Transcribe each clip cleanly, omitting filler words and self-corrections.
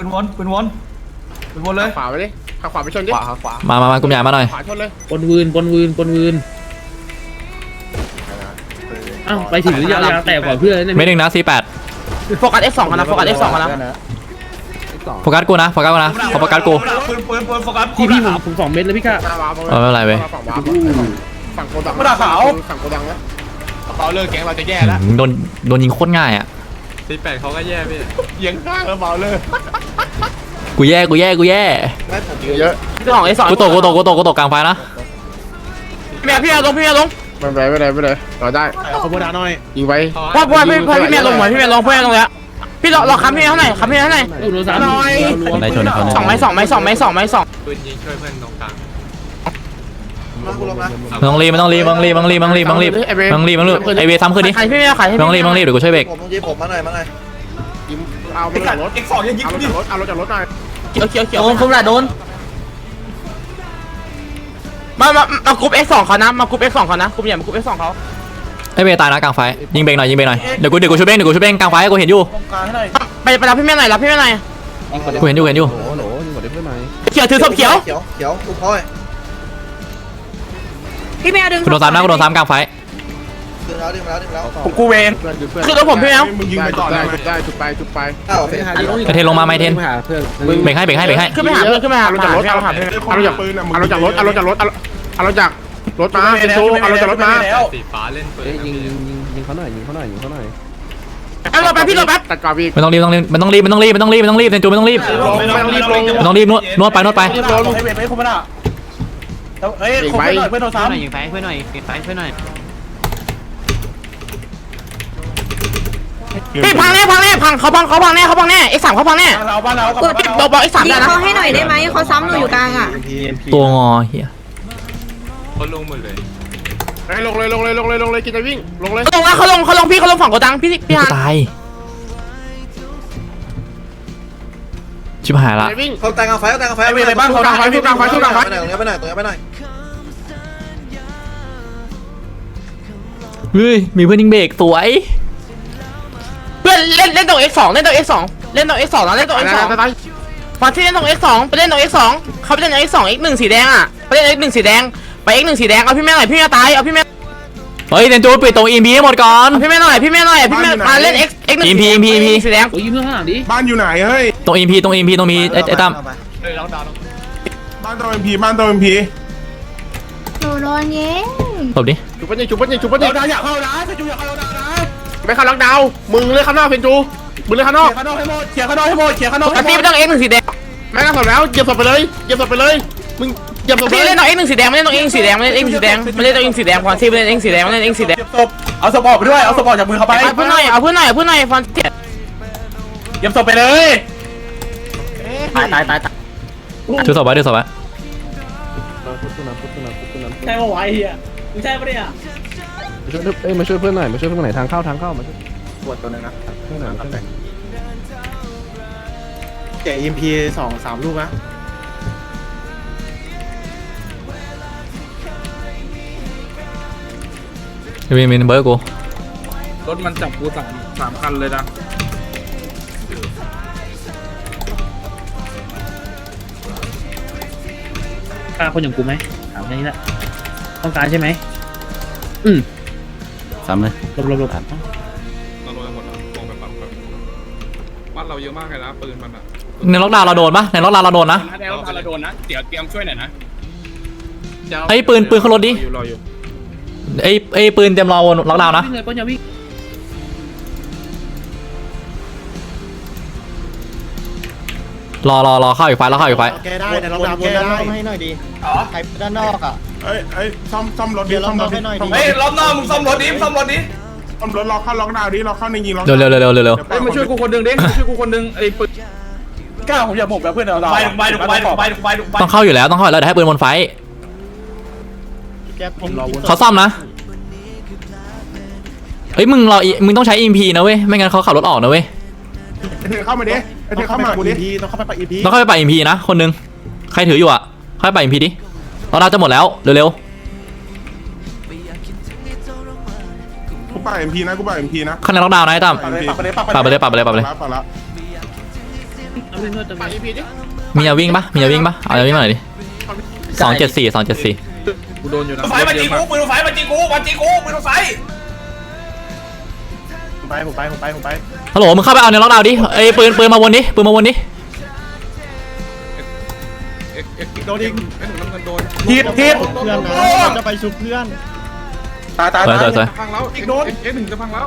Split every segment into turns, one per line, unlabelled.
ปืนวนเลย
ขวาไปดิข้างขวาไปชนดิขวา
มากุมใหญ่มาหน่อย
ขวาชนเลย
ปนวืนอ้าวไปถึงหรือยาวแต่กว่าเพื่อนเนี่ย
ไม่หนึ่งนะ48
โฟกัส F2 กันนะโฟกัส F2 กันนะ
โฟกัสกูนะโฟกัสกูนะขอโฟกัสกู
ปืนโฟกัส
พี่ผม2 เม็ดแล้วพี่กะ
หน้าวาร์ป
ไม่เป็นไรเว้ย
ฝั่งโกดังฝั่งโกดังนะเราเลิกแก๊งเราจะแย่แล้ว
โดนยิงโคตรง่ายอ่ะ
48เขาก็แย่พี่
ยิงข้างแล้วเบาเลย
กูแย่
เยอะ
พี่สอง F2
กูตกกลางไฟนะ
พี่ลง
ไม่เลยเราได้
ขบวนหน่อย
ยิงไว้
พ่อพี่เมียลงหน่อยพี่เมียลงแล้วพี่รอค้ำพี่เท่าไหร่ค้ำพี่เท่าไหร่
อุโนซา
ได้ชนเขา
2 ไม้
ปืนยิงช่วยเพื่อนตรงกลาง
ไม่ต้องรีบไอเวซ้ำขึ้นดิ
ใครพี่เมียขายให้
ไม่ต้องรีบเดี๋ยวกูช่วยเบรก
ผมมาหน่อย
ยิงเอารถจากรถเอารถจากรถหน่อย
เขียวโดนคุ้มละโดนมากรุ๊ป F2 เขานะมากรุ๊ป F2 เขานะกรุ๊ปใหญ่มากรุ๊ป F2 เขา
ไอเวตายนะกลางไฟยิงเบรกหน่อยเดี๋ยวกูช่วยเบรกกลางไฟกูเห็นอยู่
ไปรับพี่เมียหน่อยกูเห็นอยู่เขียวถือศพเขียว
กูพ่อย
พี่แมวดึง
กูโดนซ้ำกลางไฟ
ดึงแล้ว
กูเวนคือรถผมพี่แมว
มึงยิงไปต่อได้จุดไป
อ้าว
ไอเทนลงมาไม่เทนเบรกให้
ขึ้นไปหาเพื่อนขึ้นไปหา
เอารถจากรถเอารถจากปืนเอารถจากรถเอารถจากรถเอารถจากรถมาเป็นโชว์เอารถจากรถมา
สีฟ้าเล่นปืน
ยิงเขาหน่อย
เอารถไปพี่รถแป๊บ
ตัดกราบี
ไม่ต้องรีบเซนจูไม่ต้องรีบ
ไม่ต้องรีบลง
ไม่ต้องรีบนวดไป
รีบลง
ให้เวทไม่คุ้มนะเฮ้ยคุ้มเพื่อนโทรศัพท์
ยิงไฟเพื่อนหน่อยพี่พังแน่เขาพังแน่X3เขาพังแน่
เราบ้านเรา
กด
บอก X3
ยิ
ได้
ง
นะ
เขาให้หน่อยได้ไหมเขาซ้ำหนูอยู่กลางอ่ะ
ตัวงอเฮีย
เขาลงหมดเลย
ลงเลยกินจะวิ่งลงเลย
ลงแล้วเขาลงฝั่งโกดังพี่
กู
ฮะ
ตายชิบหายละ
วิ่ง
เขาแต่งกาแฟไปไหนไปไหน
เฮ้ยมีเพื่อนยิงเบรกสวย
เพื่อนเล่นตรง X2 นะเล่นตรง X2 ฟังที่เล่นตรง X2 ไปเล่นตรง X2 เขาไปเล่นตรง X2 X1 สีแดงอ่ะไปเล่น X1 สีแดงไป X1 สีแดงเอาพี่แม่หน่อยพี่แม่ตายเอาพี่แม่
เฮ้ยเซนจูปิดตรงอีพีให้หมดก่อน
พี่แม่หน่อยมาเล่น X1
EMP
สีแดง
โอ้ยยิงเพื่อนข้างหลังดิ
บ้านอยู่ไหนเฮ้ย
ตรงอีพีตรงมีไอ้ตั้ม
บ้านตัวเอ็มพี
หนูโดนยิง
หลบดิ
จุบปัญญา
เราอยากเข้านะจะจูอยากเข้านะ
ไม่เข้าล็อกดาวน์มึงเลยข้างนอกเพนจูมึงเลยข้างนอก
ข้างนอกให้หมดเขียร์ข้างนอกให้หมด
พี่ไม่ต้อง X1 สีแดง
แม่งก็สอบแล้วเหยียบศพไปเลยมึงเหยียบศพ
พี่เล่นตรง X1 สีแดงไม่เล่นตรง X1 สีแดงมาเล่นตรง X1 สีแดงฟังที่เล่น X1 สีแดงสีแดง
ศพเอาศพออกไปด้วยเอาศพออกจากมือเขาไป
เอาเพื่อนหน่อยฟังที่
เก็บศพไปเลย
ตาย
ดูศพไว้
ใช่ปะวะไอ้เหี้ยมึงใช่ปะเนี่ยมาช่วยเพื่อนหน่อยทางเข้ามาช่วย
ปวดตัวนึงนะ
เพื่อนหน่อย
แกะ EMP 2-3 ลูกนะ
มีเบอร์กู
รถมันจับกูสามคันเลยนะ
กล้าคนอย่างกูไหมถามแค่นี้แหละต้องการใช่ไหม
ซ้ำเลย
หลบ
เราลงไปหมดแล้วลงไปปั๊มครับบ้านเราเยอะมากเลยนะปืนมันอ่ะ
ในล็อกดาวน์เราโดนปะในล็อกดาวน์เราโดนนะ
ในรถเราโดนนะเดี๋ยวเตรียมช่วยหน่อยนะ
ไอ้ปืนขึ้นรถดิ
รออยู่
ไอ้ปืนเตรียมรอล็อกดาวน์นะ
วิ่งเลยป้อนอย่าวิ่ง
รอเข้าอีกไฟแล้วเข้าอีกไฟ
แกได้แต่เราดับแกได้ให้หน่อยดีใครด้านนอกอ่ะ
เอ้ยซ่อมรถดิซ่อมรถดิ
เฮ้ยรอบหน้ามึงซ่อมรถดิซ่อมรถดิ
ซ่อมรถเราเข้าล็อกดาวน์ดิเราเข้าในยิงล็อก
เร็ว
เฮ้ยมาช่วยกูคนนึงดิช่วยกูคนนึงไอ้ปืนกล้าผมอยากผมแบบเพื่อนเราไป
ต้องเข้าอยู่แล้วเดี๋ยวให้ปืนบนไฟเขาซ่อมนะเฮ้ยมึงต้องใช้ EMP นะเว้ยไม่งั้นเขาขับรถออกนะเว้ย
เธอเข้ามาดิเธอเข้ามากูดิ
ต้องเข้าไปปัก EMP
ต้องเข้าไปป่า EMP นะคนนึงใครถืออยู่อ่ะเข้าไปป่า EMP ดิเราจะหมดแล้วเร็ว
กูป่า MP นะ
ๆข้างในล็อกดาวน์นะไอ้ตั้ม
ปักไปเลย
ปัดไปเลย
ปักละ
เอาเพื่อนจะ
ปากอีพีดิ
มียาวิ่งปะมียาวิ่งปะเอายาวิ่งมาหน่อยดิ274
กูโดนอยู่นะ
ไฟมันจีกูปืนไฟมันจีกูปืนไฟ
ผมไป
ฮัลโหลมึงเข้าไปเอาในล็อกดาวน์ดิไอ้ปืนมาวนดิปืนมาวนดิ
เอ็กโดนอีกไอ้หนุ่มน้ำเงินโดน
ทีบ
เพื่อนนะจะไปชุบเพื่อน
ตาย
สวย
จะพังแล้วเอ็กหนึ่งจะพังแล้ว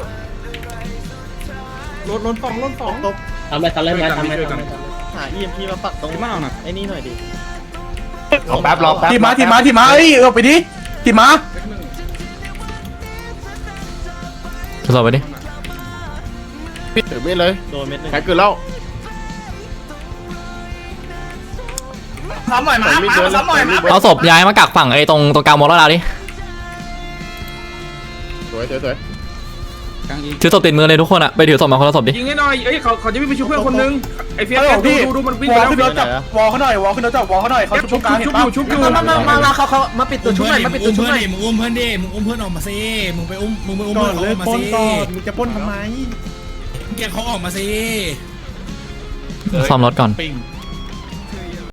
ล้นสอง
ตบ
ทำอะไรไหมทำอะไร
หา EMP มาปักตรงไอ้นี่หน่อยดิ
รอแป๊บทีมาเอ้ยไปดิทีมา
เอ็กหนึ่ง
ทดสอบไปดิ
ถือมีดเลย
โดนเม็ดนึง
แขนเกินแล้ว
ซ้ำหน่อยมาซ้ำหน่อยมา
เอาศพย้ายมากักฝั่งไอ้ตรงกลางวงล็อกดาวน์ดิ
สวย
กลางยิง
ถือศพติดมือเลยทุกคนอะไปถือศพมาคนละศพดิ
ยิงให้หน่อยเอ้ยเขาจะวิ่งไปช่วยเพื่อนคนนึงไอ้เฟียสดูมันวิ่ง
ว
ไป
อล
แล้ว
ขึ้นรถจับวอลเขาหน่อยวอลขึ้นรถจับวอลเขาหน่อยเขาชุบกลางเห็นป่ะ
ชุบอยู่
มาเขามาปิดตัวชุบหน่อยมาปิดตัวชุบหน่อย
มึงอุ้มเพื่อนดิมึงอุ้มเพื่อนออกมาสิมึงไปอุ้มเพื่อน
ก่อน
เขา
เล
อย อกมา
ปล้น
สิ
ก่อนมึงจะปล้นทำไม
แกเขาออกมาสิ
ซ่อมรถก่อน
ปิง